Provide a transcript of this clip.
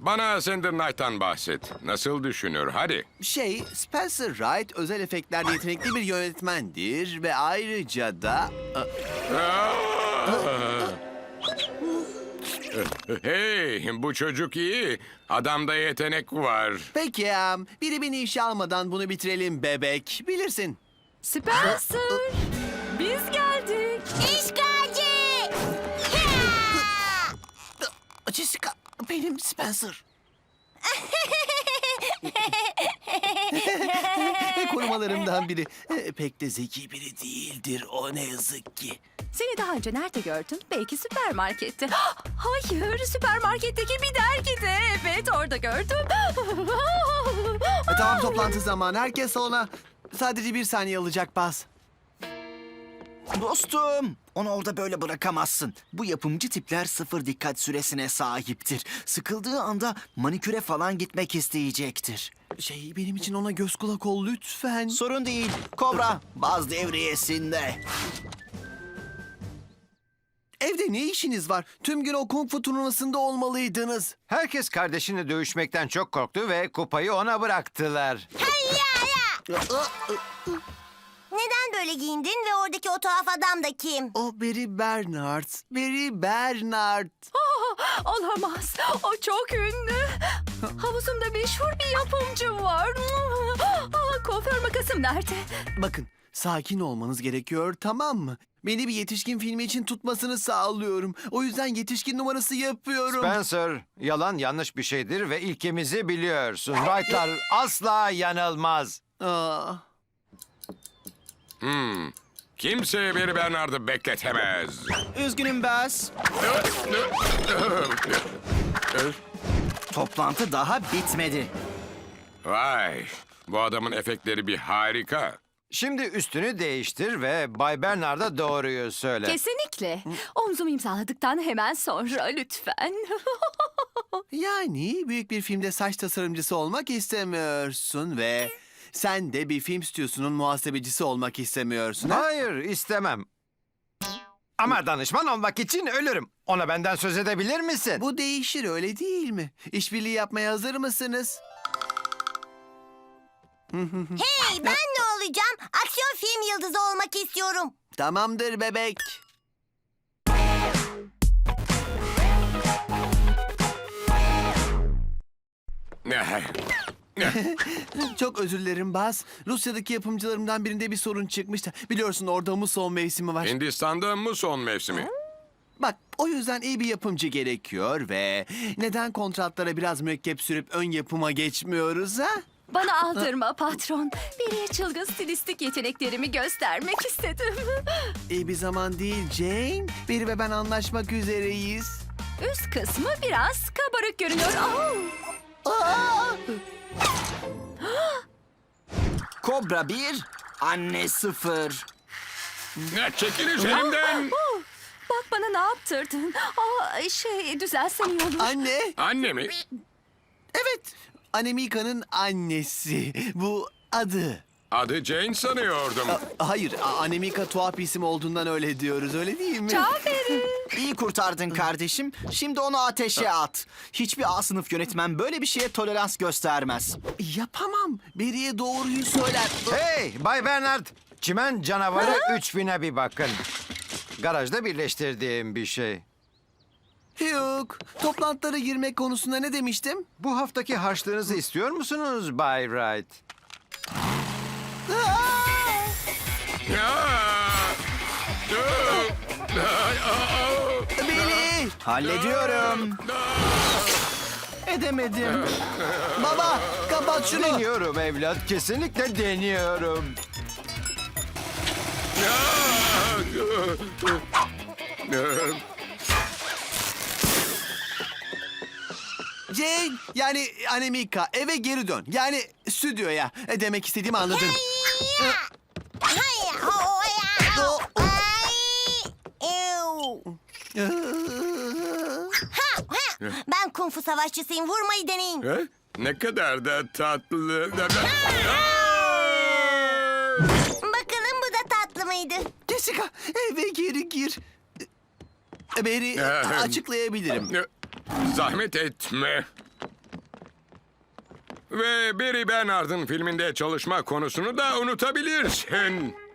Bana Thunder Knight'tan bahset. Nasıl düşünür? Hadi. Spencer Wright özel efektlerde yetenekli bir yönetmendir ve ayrıca da... Hey, bu çocuk iyi. Adamda yetenek var. Peki ya, biri beni işe almadan bunu bitirelim bebek. Bilirsin. Spencer, biz geldik. İşgalci! Jessica, benim Spencer. Korumalarımdan biri. Pek de zeki biri değildir o, ne yazık ki. Seni daha önce nerede gördüm? Belki süpermarkette. Hayır, süpermarketteki bir dergide. Evet, orada gördüm. Tamam, toplantı zamanı. Herkes salona. Sadece 1 saniye alacak Baz. Dostum, onu orada böyle bırakamazsın. Bu yapımcı tipler 0 dikkat süresine sahiptir. Sıkıldığı anda maniküre falan gitmek isteyecektir. Benim için ona göz kulak ol lütfen. Sorun değil. Kobra, baz devriyesinde. Evde ne işiniz var? Tüm gün o kung fu turnuvasında olmalıydınız. Herkes kardeşini dövüşmekten çok korktu ve kupayı ona bıraktılar. Neden böyle giyindin ve oradaki o tuhaf adam da kim? O Barry Bernard. Barry Bernard. Olamaz, o çok ünlü. Havuzumda meşhur bir yapımcı var. Kuaför makasım nerede? Bakın, sakin olmanız gerekiyor, tamam mı? Beni bir yetişkin filmi için tutmasını sağlıyorum. O yüzden yetişkin numarası yapıyorum. Spencer, yalan yanlış bir şeydir ve ilkemizi biliyorsun. Wright'lar asla yanılmaz. Aa, Kimse bir Bernard'ı bekletemez. Üzgünüm Baz. Toplantı daha bitmedi. Vay, bu adamın efektleri bir harika. Şimdi üstünü değiştir ve Bay Bernard'a doğruyu söyle. Kesinlikle. Omzumu imzaladıktan hemen sonra lütfen. yani büyük bir filmde saç tasarımcısı olmak istemiyorsun ve... Sen de bir film stüdyosunun muhasebecisi olmak istemiyorsun, ha? Hayır, istemem. Ama danışman olmak için ölürüm. Ona benden söz edebilir misin? Bu değişir, öyle değil mi? İşbirliği yapmaya hazır mısınız? Hey, ben ne olacağım? Aksiyon film yıldızı olmak istiyorum. Tamamdır bebek. Çok özür dilerim Baz. Rusya'daki yapımcılarımdan birinde bir sorun çıkmıştı. Biliyorsun, orada muson mevsimi var. Hindistan'da mı son mevsimi? Bak, o yüzden iyi bir yapımcı gerekiyor ve... Neden kontratlara biraz mürekkep sürüp ön yapıma geçmiyoruz, ha? Bana aldırma patron. Biriye çılgın stilistik yeteneklerimi göstermek istedim. İyi bir zaman değil Jane. Biri ve ben anlaşmak üzereyiz. Üst kısmı biraz kabarık görünüyor. Kobra 1, anne 0. Çekil üzerinden. Bak bana ne yaptırdın. Düzelsen iyi olur. Anne. Anne mi? Evet. Anemika'nın annesi. Bu adı. Adı Jane sanıyordum. Hayır, Anemika tuhaf bir isim olduğundan öyle diyoruz, öyle değil mi? İyi kurtardın kardeşim. Şimdi onu ateşe at. Hiçbir A sınıf yönetmen böyle bir şeye tolerans göstermez. Yapamam. Beriye doğruyu söyler. Hey, Bay Bernard! Çimen canavarı 3000'e bir bakın. Garajda birleştirdiğim bir şey. Yok. Toplantılara girmek konusunda ne demiştim? Bu haftaki harçlığınızı istiyor musunuz Bay Wright? Beri! Hallediyorum. Edemedim. Baba, kapat şunu. Deniyorum evlat, kesinlikle deniyorum. Jane, yani Anemika, eve geri dön. Yani stüdyoya. Demek istediğimi anladın. Hay, ho, ya. Ay, ew. Ben kung fu savaşçısıyım. Vurmayı deneyin. Ha? Ne kadar da tatlı. Bakalım bu da tatlı mıydı? Jessica, eve geri gir. Beri, açıklayabilirim. Zahmet etme. Ve Barry Bernard'ın filminde çalışma konusunu da unutabilirsin.